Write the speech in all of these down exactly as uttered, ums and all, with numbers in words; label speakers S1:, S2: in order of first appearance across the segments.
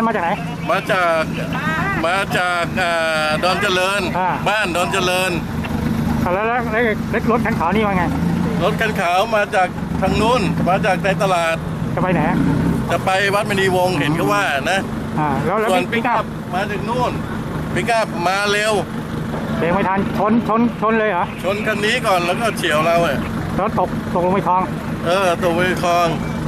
S1: มาจากไหน
S2: มาจากมาจากดอนเจริญบ้านดอนเจริญ
S1: แล้วแล้วรถคันขาวนี่ว่าไง
S2: รถคันขาวมาจากทางนู้นมาจากในตลาด
S1: จะไปไหน
S2: จะไปวัดมณีวงศ์เห็นเขาว่านะส่วนปิกอัพมาถึงนู่นปิกอัพมาเร็ว
S1: เบรกไม่ทันชนชนชนเลยเหรอ
S2: ชนคันนี้ก่อนแล้วก็เฉียวเราเ
S1: แล้วตกตกลงไปคลอง
S2: เออตกไปคลอง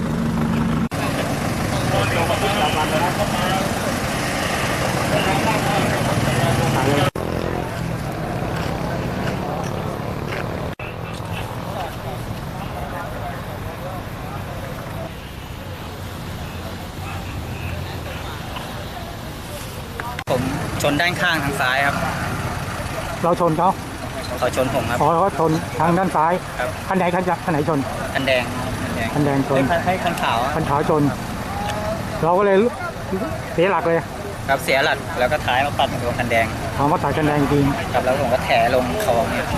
S3: ผมชนด้านข้างทางซ้ายครับ
S1: เราชนเขา
S3: เขาชนผมครับ
S1: อ๋อเขาชนทางด้านซ้าย
S3: ครับ
S1: คันไหนคันคันไหนชน
S3: คันแดง
S1: คันแดงชน
S3: ให้คันขาว
S1: คันขาวชนเราก็เลยเสียหลักเลย
S3: ครับเสียหลักแล้วก็ท้ายมาปัดกับคันแดง
S1: ถามว่าตัดคันแดงจริง
S3: ครับแล้วผมก็แถลงคลองเนี่ย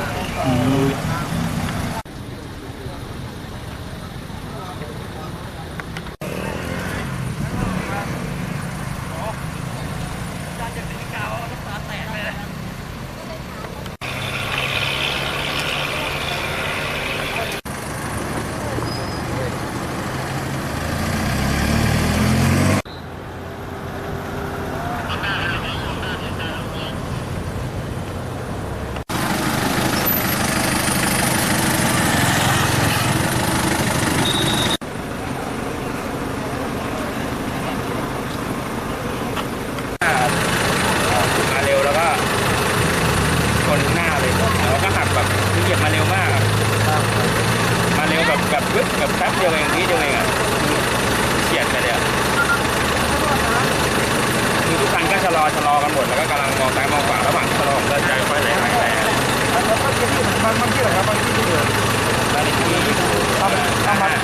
S4: แบบแป๊บเดียวเองนิดเดียวเองอ่ะเฉียดไปเลยอ่ะคือทุกคันก็ชะลอชะลอกันหมดแล้วก็กำลังมองซ้ายมองขวาระหว่างชะลอผมก็ใจค่อยไหลไหลไหลบางบางที่ไหนครับบางที่ที่เดือดบางที่ทำทำมา